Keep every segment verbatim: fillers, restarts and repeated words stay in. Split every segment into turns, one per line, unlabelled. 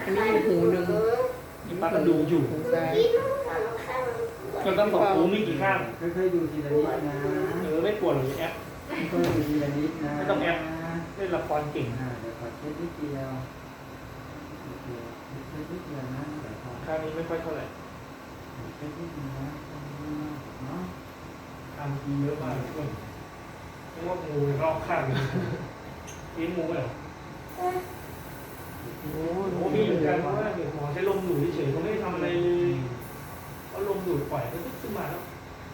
อันนี้อีกหูหนึ่ง
นี่ป้าก็ดูอยู่
หูซ้าย
ก็ต้องบอกหูมีกี่ข้าง
ค่อยๆดูทีละนิดนะ
เออไม่ปวดหรอกแอป
ค่อยๆดูทีละนิดนะ
ไม่ต้องแอป เล่นละครเก่ง
อ่าเดี๋ยวขอเช็ดนิดเดียวนิดเดียวเช็ดนิดเดียวนะเดี๋ยวขอ
ข้างนี้ไม่ค่อยเท่าไหร่
เช็ดนิดนึงนะเนาะ
ทำทีเยอะมากเลยเพื่อนเรียกว่างูรอบข้างเลยเลี้ยงงูเหรอ
โอ้
โอ้มีเหมือนกันเพราะว่าเดี๋ยวหมอใช้ลมดูดเฉยๆเขาไม่ได้ทำอะไรเลยเขาลมดูดปล่อยก็ขึ้นมาแล้ว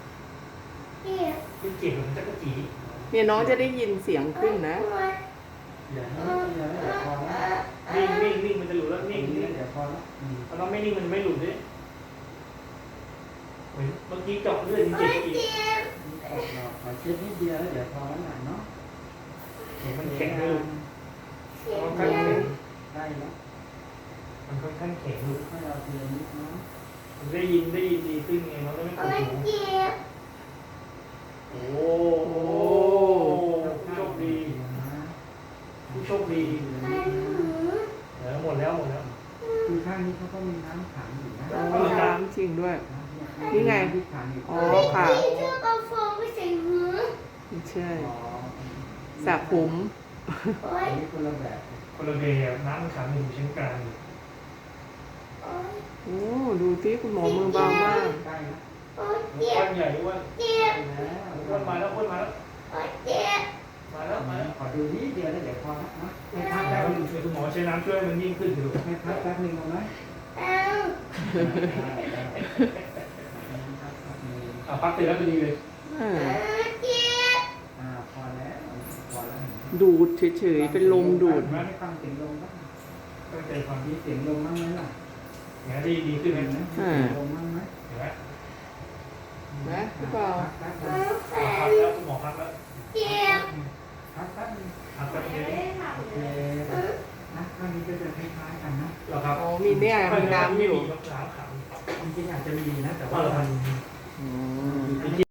เป็นเจ็บเหมือนจักรจี
เนี่ยน้องจะได้ยินเสียงขึ้นนะ
อย่าให้นิดเดียวนะเดี๋ยวพอละ
นิ่งนิ่งนิ่งมันจะหลุดแล้วนิ่ง
นิ่
นิ่ง
เดี๋ยวพอละอืม
เราไม่นิ่งมันไม่หลุดด้วยเมื่อกี้เจาะเลือดจริงๆอีก
เราขอเช็ดนิดเดียวแล้วเดี๋ยวพอแล้วนะเนาะ
เห็นมันแข็งเลยมันค่อนข้างแข็ง
ได้แล้ว
มันค่อนข้างแข็งอยู่
ให้เราทีละนิดเนาะ
มันได้ยินได้ยินดีขึ้นไงเราก็ไม่ปวดหูโอ้โหผู้โชคดีผู้โชคดีเออหมดแล้วหมดแล้ว
คือข้างนี้เขาก็มีน้ำขังอยู่นะ
อ๋อน้ำจริงด้วย นี่ไง
ที่ขังอยู่
อ๋อค่ะ
เธอเอาฟองไปใส่หู
ไม่ใช่
อ๋อ
สระผม
โอ๊
อั
ย
นนี้คนละแบบ
คนละแบบน้ำมันขังอยู่ชั้นกลางอยู่
โอ๊ย
โอ้ดูสิคุณหมอมือเบามาก
ใกล้แล้ว
โอ๊ยเจ็
อ้ว
บ
นใหญ่อ้วน
เจ็บ
ใกล้แล้ว
อ้วนมาแล้วอ้วนมาแล้ว
โอ๊ยเจ็บ
มาแล้วมาแล้ว
ขอดูนิดเดียวแล้วเดี๋ยวพอละเนาะให้พัก
แล้
แป๊
ว
บนึง
คุณหมอใช้น้ำช่วยมันยิ่งขึ้นอยู่
ให้พักแป๊บนึงเอาไหม
เอา
อ่ะพักเสร็จแล้วพอดีเลย
อ่า
โอ๊ยเจ็บ
อ่าพอแล้วพอแล้ว
ดูดเฉยๆเป็นลมดูด
ไม่ฟังเสียงลมบ้าง
ตั้งใจฟัง
มีเสียงลมบ้างไหมล่ะ
อย่างนี้ดีขึ้นไหม
เห็นไหม
นะ
มีเสียงลมบ้างไหม
เห็นไหม
นะพี่เปล่า
พักแป๊บนึง
พักแล้วคุณหมอพักแล้ว
เจ็บ
พักแป๊บนึง
พักแป๊บนึง
โอเคนะข้างนี้ก็จะคล้ายๆกันนะ
เหรอครับ
อ๋อมีเนี่ยมีน้ำอยู่
น้ำขัง
จริงๆอาจจะมีนะแต่
เอ
ว่า
อมัน
อืม